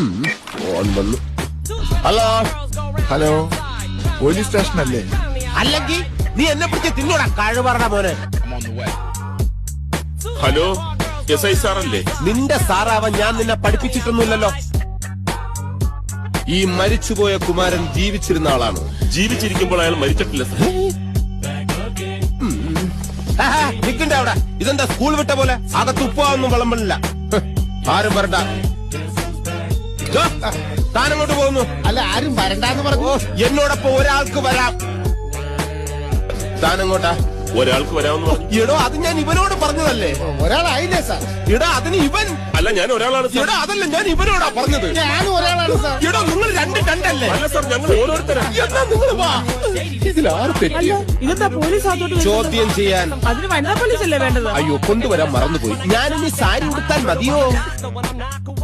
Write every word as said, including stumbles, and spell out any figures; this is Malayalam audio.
ഫോൺ വന്നു. ഹലോ ഹലോ, പോലീസ് സ്റ്റേഷൻ അല്ലേ? അല്ലെങ്കിൽ നീ എന്നെ പിടിച്ച് തിന്നൂടാ കഴിവറ മോനെ. ഹലോ, എസ് ഐ സാറല്ലേ? നിന്റെ സാറാവാൻ ഞാൻ നിന്നെ പഠിപ്പിച്ചിട്ടൊന്നുമില്ലല്ലോ. ഈ മരിച്ചുപോയ കുമാരൻ ജീവിച്ചിരുന്ന ആളാണ്. ജീവിച്ചിരിക്കുമ്പോൾ അയാൾ മരിച്ചിട്ടില്ല സാർ. നിക്കണ്ട അവിടെ. ഇതെന്താ സ്കൂൾ വിട്ട പോലെ? അകത്ത് ഉപ്പാവൊന്നും വിളമ്പില്ല. ആരും വരണ്ട. താനങ്ങോട്ട് പോകുന്നു. അല്ല, ആരും വരണ്ടെന്ന് പറഞ്ഞു. എന്നോടൊപ്പം ഒരാൾക്ക് വരാം. താനങ്ങോട്ടാ? ഒരാൾക്ക് വരാമെന്ന് പറഞ്ഞു. എടോ, അത് ഞാൻ ഇവനോട് പറഞ്ഞതല്ലേ. ഒരാളായില്ലേ സാർ? എടാ, അതിന് ഇവൻ. അല്ല, ഞാൻ ഒരാളാണ് സാർ. എടാ, അതല്ല, ഞാൻ ഇവനോടാ പറഞ്ഞത്. ഞാനും ഒരാളാണ് സാർ. എടോ, നിങ്ങൾ രണ്ട് രണ്ടല്ലേ? അല്ല സാർ, ഞങ്ങൾ ഓരോരുത്തരാണ്. എന്നാ നിങ്ങൾ വാ. ഇതിലാറ് തെറ്റി. ഇതെന്താ പോലീസ് അതോട്ട് ചോദ്യം ചെയ്യാൻ. അതിന് വനിതാ പോലീസ് അല്ലേ വേണ്ടത്? അയ്യോ, കൊണ്ടുവരാൻ മറന്നുപോയി. ഞാനിനി സാരി ഉടുത്താൽ മതിയോ?